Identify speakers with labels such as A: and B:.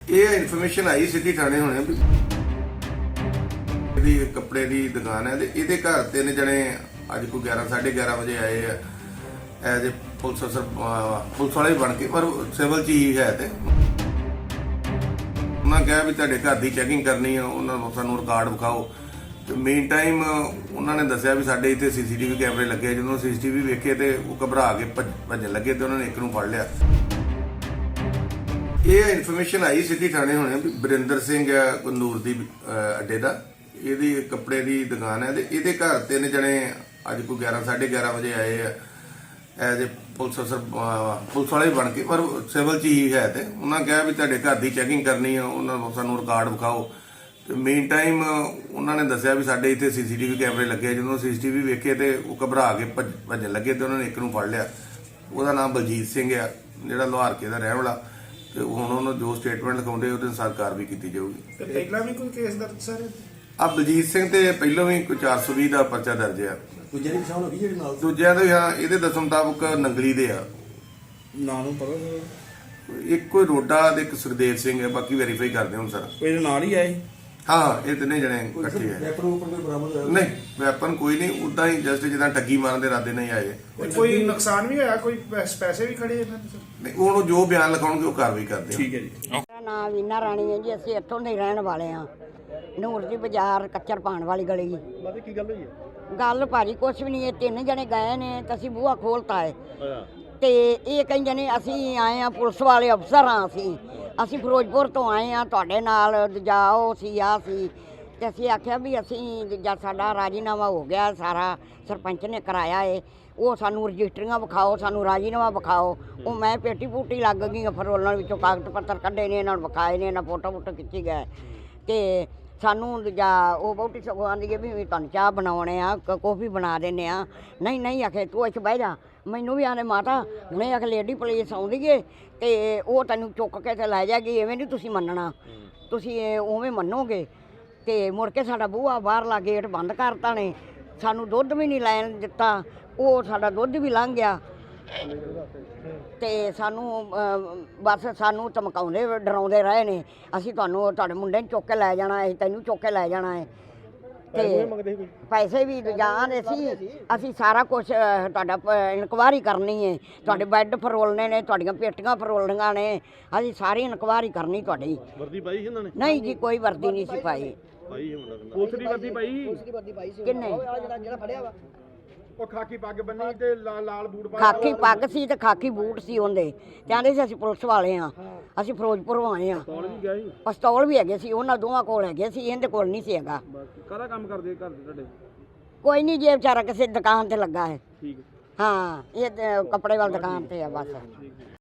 A: ਇਹ ਇਨਫੋਰਮੇਸ਼ਨ ਆਈ ਸਿੱਧੀ ਥਾਣੇ ਹੋਣੇ ਵੀ ਇਹਦੀ ਕੱਪੜੇ ਦੀ ਦੁਕਾਨ ਹੈ ਤੇ ਇਹਦੇ ਘਰ ਤਿੰਨ ਜਣੇ ਅੱਜ ਕੋਈ 11:30 ਵਜੇ ਆਏ ਆ ਐਜ਼ ਏ ਪੁਲਿਸ ਅਫਸਰ ਪੁਲਿਸ ਵਾਲੇ ਬਣ ਕੇ ਪਰ ਸਿਵਲ ਚ ਹੀ ਹੈ ਤੇ ਉਹਨਾਂ ਕਿਹਾ ਵੀ ਤੁਹਾਡੇ ਘਰ ਦੀ ਚੈਕਿੰਗ ਕਰਨੀ ਆ, ਉਹਨਾਂ ਨੂੰ ਸਾਨੂੰ ਰਿਕਾਰਡ ਵਿਖਾਓ ਤੇ ਮੇਨ ਟਾਈਮ ਉਹਨਾਂ ਨੇ ਦੱਸਿਆ ਵੀ ਸਾਡੇ ਇੱਥੇ ਸੀਸੀਟੀਵੀ ਕੈਮਰੇ ਲੱਗੇ। ਜਦੋਂ ਸੀਸੀਟੀਵੀ ਵੇਖੇ ਤੇ ਉਹ ਘਬਰਾ ਕੇ ਭੱਜਣ ਲੱਗੇ ਤੇ ਉਹਨਾਂ ਨੇ ਇੱਕ ਨੂੰ ਫੜ ਲਿਆ। ਇਹ ਇਨਫੋਰਮੇਸ਼ਨ ਆਈ ਸਿੱਧੀ ਥਾਣੇ ਹੋਣੇ ਵੀ ਬਰਿੰਦਰ ਸਿੰਘ ਆ ਕਨੂਰ ਦੀ ਅੱਡੇ ਦਾ, ਇਹਦੀ ਕੱਪੜੇ ਦੀ ਦੁਕਾਨ ਹੈ ਤੇ ਇਹਦੇ ਘਰ ਤਿੰਨ ਜਣੇ ਅੱਜ ਕੋਈ 11:30 ਵਜੇ ਆਏ ਆ ਐਜ਼ ਏ ਪੁਲਿਸ ਅਫਸਰ ਪੁਲਿਸ ਵਾਲੇ ਬਣ ਕੇ ਪਰ ਸਿਵਲ ਚ ਹੀ ਹੈ ਤੇ ਉਹਨਾਂ ਕਿਹਾ ਵੀ ਤੁਹਾਡੇ ਘਰ ਦੀ ਚੈਕਿੰਗ ਕਰਨੀ ਆ, ਉਹਨਾਂ ਨੂੰ ਸਾਨੂੰ ਰਿਕਾਰਡ ਵਿਖਾਓ ਤੇ ਮੇਨ ਟਾਈਮ ਉਹਨਾਂ ਨੇ ਦੱਸਿਆ ਵੀ ਸਾਡੇ ਇੱਥੇ ਸੀਸੀਟੀਵੀ ਕੈਮਰੇ ਲੱਗੇ। ਜਦੋਂ ਸੀਸੀਟੀਵੀ ਵੇਖੇ ਤੇ ਉਹ ਘਬਰਾ ਕੇ ਭੱਜਣ ਲੱਗੇ ਤੇ ਉਹਨਾਂ ਨੇ ਇੱਕ ਨੂੰ ਫੜ ਲਿਆ। ਉਹਦਾ ਨਾਮ ਬਲਜੀਤ ਸਿੰਘ ਆ, ਜਿਹੜਾ ਲੋਹਾਰਕੇ ਦਾ ਰਹਿਣ ਵਾਲਾ ਤੇ ਹੁਣ ਉਹਨਾਂ ਜੋ ਸਟੇਟਮੈਂਟ ਲਿਖਾਉਂਦੇ ਉਹਦੇ ਅਨੁਸਾਰ ਕਾਰਵਾਈ ਕੀਤੀ ਜਾਊਗੀ।
B: ਤੇ ਪਹਿਲਾਂ ਵੀ ਕੋਈ ਕੇਸ ਦਰਜ ਸਰ?
A: ਆ ਬਲਜੀਤ ਸਿੰਘ ਤੇ ਪਹਿਲਾਂ ਵੀ ਕੋਈ 420 ਦਾ ਪਰਚਾ ਦਰਜ ਆ।
C: ਦੂਜੇ ਦੀ ਪਛਾਣ ਹੋ ਗਈ ਜਿਹੜੇ ਨਾਲ
A: ਦੂਜਿਆਂ ਦੇ ਹਾਂ ਇਹਦੇ ਦੱਸਣ ਮੁਤਾਬਕ ਨੰਗਲੀ ਦੇ ਆ,
B: ਨਾਂ ਨੂੰ ਪਤਾ
A: ਇੱਕ ਕੋਈ ਰੋਡਾ ਤੇ ਇੱਕ ਸੁਖਦੇਵ ਸਿੰਘ ਹੈ, ਬਾਕੀ ਵੈਰੀਫਾਈ ਕਰਦੇ ਹੁਣ ਸਰ।
B: ਕੋਈ ਇਹਦੇ ਨਾਲ ਹੀ ਆਏ?
A: ਹਾਂ ਇਹ ਤਿੰਨੇ ਜਣੇ ਇਕੱਠੇ ਆ।
C: ਵੈਪਨ ਉੱਪਰ ਕੋਈ ਬਰਾਮਦ ਹੋਇਆ?
A: ਨਹੀਂ ਵੈਪਨ ਕੋਈ ਨਹੀਂ, ਉਦਾਂ ਹੀ ਜਸਟ ਜਿੱਦਾਂ ਠੱਗੀ ਮਾਰਨ ਦੇ ਇਰਾਦੇ ਨਹੀਂ ਆਏ।
B: ਕੋਈ ਨੁਕਸਾਨ ਵੀ ਹੋਇਆ? ਕੋਈ ਪੈਸੇ ਵੀ ਖੜੇ ਇਹਨਾਂ ਦੇ ਸਰ?
A: ਨਹੀਂ ਉਹਨੂੰ ਜੋ ਬਿਆਨ ਲਿਖਾਉਣਗੇ ਉਹ ਕਾਰਵਾਈ ਕਰਦੇ ਆ।
B: ਠੀਕ ਹੈ ਜੀ।
D: ਮੇਰਾ ਨਾਮ ਵੀਨਾ ਰਾਣੀ ਹੈ ਜੀ, ਅਸੀਂ ਇੱਥੋਂ ਦੇ ਰਹਿਣ ਵਾਲੇ ਹਾਂ। ਨੂਰ ਦੀ ਬਾਜ਼ਾਰ ਕੱਚਰ ਪਾਣ ਵਾਲੀ ਗਲੀ।
C: ਬਾਕੀ ਕੀ ਗੱਲ ਹੋਈ ਹੈ?
D: ਗੱਲ ਭਾਜੀ ਕੁਛ ਵੀ ਨਹੀਂ, ਇਹ ਤਿੰਨ ਜਣੇ ਗਏ ਨੇ ਤਾਂ ਅਸੀਂ ਬੂਹਾ ਖੋਲਤਾ ਹੈ ਤੇ ਇਹ ਕਹਿੰਦੇ ਨੇ ਅਸੀਂ ਆਏ ਆ ਪੁਲਿਸ ਵਾਲੇ ਅਫਸਰ ਹਾਂ, ਅਸੀਂ ਫਿਰੋਜ਼ਪੁਰ ਤੋਂ ਆਏ ਆ ਤੁਹਾਡੇ ਨਾਲ ਜਾਓ ਸੀ ਆ ਸੀ ਤੇ ਅਸੀਂ ਆਖਿਆ ਵੀ ਅਸੀਂ ਜਦ ਸਾਡਾ ਰਾਜੀਨਾਮਾ ਹੋ ਗਿਆ ਸਾਰਾ ਸਰਪੰਚ ਨੇ ਕਰਾਇਆ ਏ, ਉਹ ਸਾਨੂੰ ਰਜਿਸਟਰੀਆਂ ਵਿਖਾਓ, ਸਾਨੂੰ ਰਾਜੀਨਾਮਾ ਵਿਖਾਓ। ਉਹ ਮੈਂ ਪੇਟੀ ਪੂਟੀ ਲੱਗ ਗਈ ਫਰੋਲਣ ਵਿੱਚੋਂ ਕਾਗਜ਼ ਪੱਤਰ ਕੱਢੇ ਨੇ, ਇਹਨਾਂ ਨੂੰ ਵਿਖਾਏ ਨੇ, ਇਹਨਾਂ ਫੋਟੋ ਫੋਟੋ ਖਿੱਚੀ ਗਏ ਤੇ ਸਾਨੂੰ ਦੂਜਾ ਉਹ ਬਹੁਤੀ ਸਗੋਂ ਆਂਦੀ ਹੈ ਵੀ ਤੁਹਾਨੂੰ ਚਾਹ ਬਣਾਉਣੇ ਆ, ਕੌਫੀ ਬਣਾ ਦਿੰਦੇ ਆ। ਨਹੀਂ ਆਖੇ ਤੂੰ ਇੱਥੇ ਬਹਿ ਜਾ। ਮੈਨੂੰ ਵੀ ਆਨੇ ਮਾਤਾ ਹੁਣੇ ਆਖੇ ਲੇਡੀ ਪੁਲਿਸ ਆਉਂਦੀ ਏ ਤੇ ਉਹ ਤੈਨੂੰ ਚੁੱਕ ਕੇ ਤੇ ਲੈ ਜਾਏਗੀ, ਐਵੇਂ ਨਹੀਂ ਤੁਸੀਂ ਮੰਨਣਾ, ਤੁਸੀਂ ਉਵੇਂ ਮੰਨੋਗੇ। ਤੇ ਮੁੜ ਕੇ ਸਾਡਾ ਬੂਹਾ ਬਾਹਰਲਾ ਗੇਟ ਬੰਦ ਕਰਤਾ ਨੇ, ਸਾਨੂੰ ਦੁੱਧ ਵੀ ਨਹੀਂ ਲੈਣ ਦਿੱਤਾ, ਉਹ ਸਾਡਾ ਦੁੱਧ ਵੀ ਲੰਘ ਗਿਆ ਤੇ ਸਾਨੂੰ ਬਸ ਸਾਨੂੰ ਧਮਕਾਉਂਦੇ ਡਰਾਉਂਦੇ ਰਹੇ ਨੇ, ਅਸੀਂ ਤੁਹਾਨੂੰ ਤੁਹਾਡੇ ਮੁੰਡੇ ਨੂੰ ਚੁੱਕ ਕੇ ਲੈ ਜਾਣਾ ਹੈ, ਤੈਨੂੰ ਚੁੱਕ ਕੇ ਲੈ ਜਾਣਾ ਹੈ ਤੇ ਪੈਸੇ ਵੀ ਜਾਣਦੇ ਸੀ। ਅਸੀਂ ਸਾਰਾ ਕੁਝ ਤੁਹਾਡਾ ਇਨਕੁਆਇਰੀ ਕਰਨੀ ਹੈ, ਤੁਹਾਡੇ ਬੈੱਡ ਫਰੋਲਣੇ ਨੇ, ਤੁਹਾਡੀਆਂ ਪੇਟੀਆਂ ਫਰੋਲਣੀਆਂ ਨੇ, ਅਸੀਂ ਸਾਰੀ ਇਨਕੁਆਇਰੀ ਕਰਨੀ ਤੁਹਾਡੀ।
C: ਵਰਦੀ ਪਾਈ ਇਹਨਾਂ ਨੇ?
D: ਨਹੀਂ ਜੀ ਕੋਈ ਵਰਦੀ ਨਹੀਂ ਸੀ ਪਾਈ।
C: ਪੁਲਿਸ ਦੀ ਵਰਦੀ ਪਾਈ?
D: ਕਿੰਨੇ?
C: ਜਿਹੜਾ ਫੜਿਆ ਵਾ ਉਹ ਖਾਕੀ ਪੱਗ ਬੰਨੀ ਤੇ ਲਾਲ ਬੂਟ ਪਾ
D: ਖਾਕੀ ਪੱਗ ਸੀ ਤੇ ਖਾਕੀ ਬੂਟ ਸੀ ਉਹਦੇ। ਕਹਿੰਦੇ ਸੀ ਅਸੀਂ ਪੁਲਿਸ ਵਾਲੇ ਆ, ਅਸੀਂ ਫਿਰੋਜ਼ਪੁਰੋਂ ਆਏ ਆ। ਪਿਸਤੌਲ ਵੀ ਹੈਗੇ ਸੀ ਉਹਨਾਂ ਦੋਵਾਂ ਕੋਲ ਹੈਗੇ ਸੀ, ਇਹਦੇ ਕੋਲ ਨਹੀਂ ਸੀ ਹੈਗਾ।
C: ਕਾਹਦਾ ਕੰਮ ਕਰਦੇ ਘਰ ਦੇ ਤੁਹਾਡੇ?
D: ਕੋਈ ਨਹੀਂ ਜੇ ਵਿਚਾਰਾ ਕਿਸੇ ਦੁਕਾਨ ਤੇ ਲੱਗਾ ਹੈ।
C: ਠੀਕ
D: ਹਾਂ ਇਹ ਕੱਪੜੇ ਵਾਲੀ ਦੁਕਾਨ ਤੇ ਆ ਬਸ।